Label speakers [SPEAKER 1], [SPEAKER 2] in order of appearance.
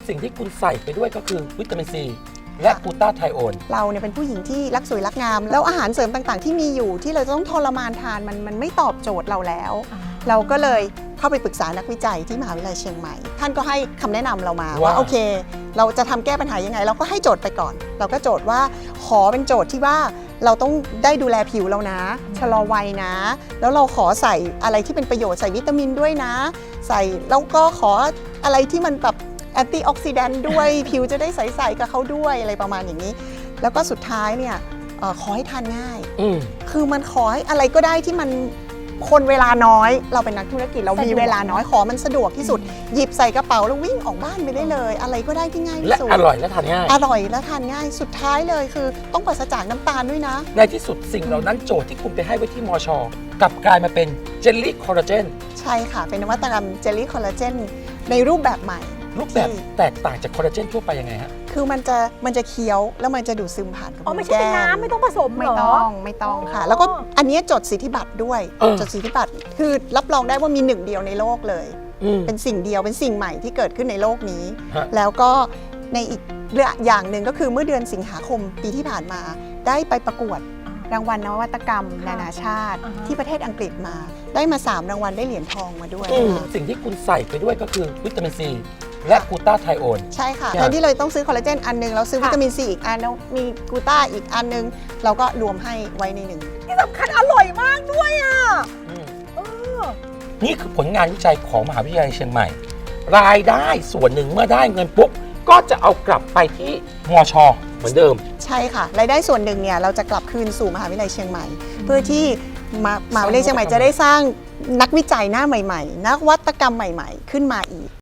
[SPEAKER 1] สิ่งที่คุณใส่ไปด้วยก็คือวิตามินซีและกลูตาไทโอน
[SPEAKER 2] เราเนี่ยเป็นผู้หญิงที่รักสวยรักงามแล้วอาหารเสริมต่างๆ ที่มีอยู่ที่เราจะต้องทรมานทานมันไม่ตอบโจทย์เราแล้ว เราก็เลยเข้าไปปรึกษานักวิจัยที่มหาวิทยาลัยเชียงใหม่ท่านก็ให้คำแนะนำเรามาว่าโอเคเราจะทำแก้ปัญหายังไงเราก็ให้โจทย์ไปก่อนเราก็โจทย์ว่าขอเป็นโจทย์ที่ว่าเราต้องได้ดูแลผิวเรานะชะลอวัยนะแล้วเราขอใส่อะไรที่เป็นประโยชน์ใส่วิตามินด้วยนะใส่แล้วก็ขออะไรที่มันแบบแอนตี้ออกซิแดนต์ด้วย ผิวจะได้ใสๆกับเขาด้วยอะไรประมาณอย่างนี้แล้วก็สุดท้ายเนี่ยขอให้ทานง่ายคือมันขอให้อะไรก็ได้ที่มันคนเวลาน้อยเราเป็นนักธุรกิจเรามีเวลาน้อยขอมันสะดวกที่สุดหยิบใส่กระเป๋าแล้ววิ่งออกบ้านไปได้เลยอะไรก็ได้ที่ง่ายที่สุด
[SPEAKER 1] และอร่อยและทานง่าย
[SPEAKER 2] อร่อยและทานง่ายสุดท้ายเลยคือต้องปราศจากน้ำตาลด้วยนะ
[SPEAKER 1] ในที่สุดสิ่งเหล่านั้นโจทย์ที่คุณไปให้ไว้ที่มชกลับกลายมาเป็นเจลลี่คอลลาเจน
[SPEAKER 2] ใช่ค่ะเป็นนวัตกรรมเจลลี่คอลลาเจนในรูปแบบใหม่
[SPEAKER 1] รูปแบบแตกต่างจากคอลลาเจนทั่วไปยังไงฮะ
[SPEAKER 2] คือมันจะเคี้ยวแล้วมันจะดูดซึมผ่านกระเพาะ
[SPEAKER 3] ไม่ใช่เป็นน้ำไม่ต้องผสมเหรอ
[SPEAKER 2] ไม่ต้องค่ะแล้วก็อันนี้จดสิทธิบัตรด้วยจดสิทธิบัตรคือรับรองได้ว่ามีหนึ่งเดียวในโลกเลยเป็นสิ่งเดียวเป็นสิ่งใหม่ที่เกิดขึ้นในโลกนี้แล้วก็ในอีกอย่างหนึ่งก็คือเมื่อเดือนสิงหาคมปีที่ผ่านมาได้ไปประกวดรางวัลนวัตกรรมนานาชาติที่ประเทศอังกฤษมาได้มา3รางวัลได้เหรียญทองมาด้วย
[SPEAKER 1] สิ่งที่คุณใส่ไปด้วยก็คือวิตามินซีและกลูตาไทโอน
[SPEAKER 2] ใช่ค่ะแทนที่เราต้องซื้อคอลลาเจนอันนึงเราซื้อวิตามินซีอีกอันแล้วมีกลูตาอีกอันนึงเราก็รวมให้ไว้ในหนึ่ง
[SPEAKER 3] ที่สำคัญอร่อยมากด้วยอ่ะ
[SPEAKER 1] นี่คือผลงานวิจัยของมหาวิทยาลัยเชียงใหม่รายได้ส่วนหนึ่งเมื่อได้เงินปุ๊บก็จะเอากลับไปที่มชเหมือนเดิม
[SPEAKER 2] ใช่ค่ะรายได้ส่วนหนึ่งเนี่ยเราจะกลับคืนสู่มหาวิทยาลัยเชียงใหม่เพื่อที่มหาวิทยาลัยเชียงใหม่จะได้สร้างนักวิจัยหน้าใหม่ๆนักวัตกรรมใหม่ๆขึ้นมาอีก